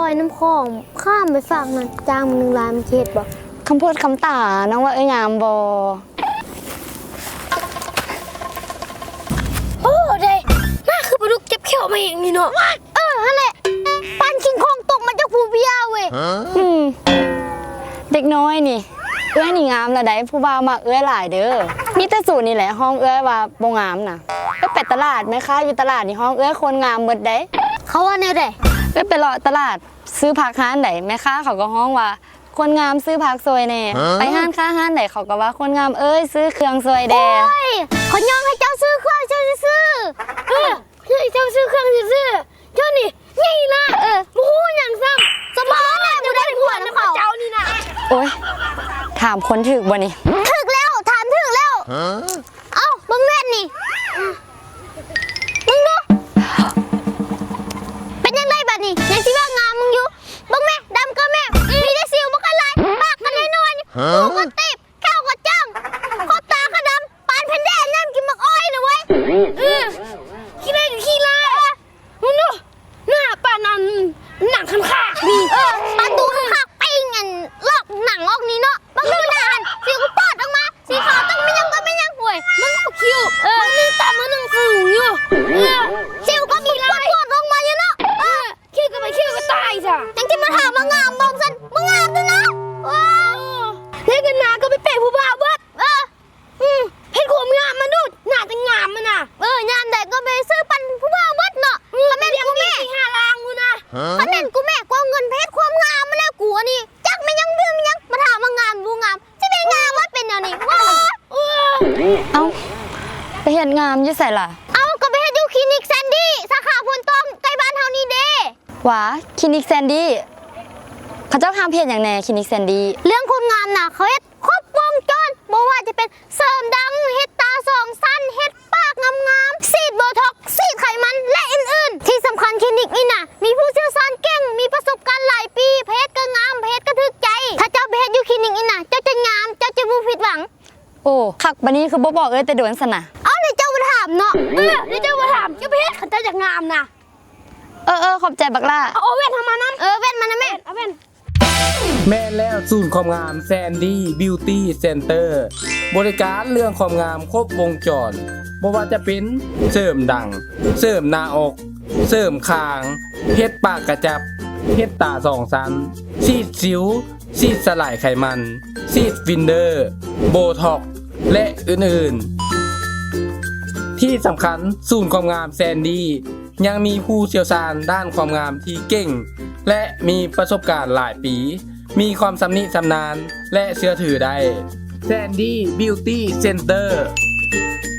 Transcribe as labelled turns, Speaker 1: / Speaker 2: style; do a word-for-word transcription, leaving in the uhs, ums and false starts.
Speaker 1: อยน้ำคลองข้ามไปฝั่งนั้นจ้างมันหนึ่งล้านมันเข็ดบ่
Speaker 2: คำพูดคำตาน้องว่าเอ้ยงามบ่
Speaker 1: โอ้ได้น่าคือปลาดุกเจ็บเขี้ยวมาเองนี่เนาะเออนั่นแหละปันคิงคองตกมาจากภูพิยาเว้ย
Speaker 2: อืมเด็กน้อยนี่เอ้ยนี่งามละได้ผู้บ่าวมาเอ้ยหลายเด้อมีแต่สูตรนี่แหละห้องเอ้ยว่าบ่งามน่ะเอ้ยไปตลาดไหมคะอยู่ตลาดนี่ห้องเอ้ยคนงามหมดได้
Speaker 1: เขาว่าแนวใด
Speaker 2: เอ้ยไปเลาะตลาดซื้อผักห้านไหนแม่ค้าเขาก็ห้องว่าคนงามซื้อผักซวยแน่ไปห้านค้าห้านไหนเขาก็ว่าคนงามเอ้ยซื้อเครื่องซวยแดง
Speaker 1: โอ้ยเขายอมให้เจ้าซื้อเครื่องเจ้าซื้อเออเจ้าซื้อเครื่องซื้อเจ้านี่นี่นะเออมู้อย่างซ้ำสมองแหละมูได้หัวน้ำเขาเจ้านี่นะ
Speaker 2: โอ้ยถามคนถึกบ่นี่
Speaker 1: ถึกแล้วถามถึกแล้วเอ้าบังแม่นนี่มึงดูเป็นยังไงบัดนี้ยังสิว่างามมึงอยู่บังแม่ดำก็แม่มีได้สิวบ่กันหลายปากกันน้อยๆหูก็ติบแก้วก็จ้างขอบตาก็ดำปานแผ่นแดนน้ำกินมักอ้อยนะเว้ยเออขี้ได้กับขี้ลายมึงดูหน้าปานนั้นหนังคันขานี่เออปานตูคันขาปิ้งอันลอกหนังออกนี้เนาะบังดูหน้าหันสีกูปอดออกมาสีขาวต้องไม่ยังก็ไม่ยังห่วยมึงเอาคิ้วเออมึงต่ำมึงสูงอยู่เออคิ้วก็มีปอดปอดออกมาอยู่เนาะเออคิ้วก็ไปคิ้วก็ตายจ้ะจังที่มาถามมางามบอกสันมางามด้วยนะว้าวเล่นกันนาก็ไปเปะผู้บ่าวเบิดเอออืมเพชรขวมงามมาดูหน้าจะงามมันน่ะเอองามแต่ก็ไปซื้อปันผู้บ่าวเบิดเนาะถ้าแม่กูแม่ห้าลางกูนะถ้าแม่กูแม่กูเงินเพชรความงามมาแล้วกูนี่จักไม่ยังเรื่องยังมาถามมางามดูงามจะไม่งามว่าเป็นอย่างนี้ว้า
Speaker 2: เอ้าไปเห็นงามอยู่ใส่ล่ะ
Speaker 1: เอ้าก็ไปเฮ็ดอยู่คลินิกแซนดี้สาขาพลต้อมใกล้บ้านเฮานี่เด้
Speaker 2: หวาคลินิกแซนดี้เขาเจ้าทำเพจอย่างแน่คลินิกแซนดี้
Speaker 1: เรื่องคนงามน่ะเขาเฮ็ดครบวงจรบ่ว่าจะเป็นเสริมดังเฮ็ดตาสองสั้นเฮ็ดปากงามๆซีดโบท็อกซ์ซีดไขมันและอื่นๆที่สำคัญคลินิกนี่น่ะมีผู้เชี่ยวชาญเก่งมีประสบการณ์หลายปีเพชรก็งามเพชรก็ถึกใจถ้าเจ้าไปเฮ็ดอยู่คลินิกนี่น่ะเจ้าจะงามเจ้าจะบ่ผิดหวัง
Speaker 2: โอ้คักบัดนี้คือบ่บอกเอ้ยแต่โดนสนะ
Speaker 1: เอ้าเดี๋ยวเจ้ามาถามเนาะเออเดี๋ยวเจ้ามาถามเจ้าไปเฮ็ดเขาเจ้าจะงามน่ะ
Speaker 2: เออเออขอบใจบักล่า
Speaker 1: เอาแว่นทำมานํเออแว่นมานะแม่เอาแว่น
Speaker 3: แม่แล้วศูนย์ความงามแซนดี้บิวตี้เซ็นเตอร์บริการเรื่องความงามครบวงจรบ่ว่าจะเป็นเสริมดังเสริมหน้าอกเสริมคางเฮ็ดปากกระจับเฮ็ดตาสองชั้นซีดสิวซีดสลายไขมันซีดฟินเดอร์โบท็อกซ์และอื่นๆที่สำคัญศูนย์ความงามแซนดี้ยังมีผู้เชี่ยวชาญด้านความงามที่เก่งและมีประสบการณ์หลายปีมีความสำนิสำนานและเชื่อถือได้แซนดี้บิวตี้เซ็นเตอร์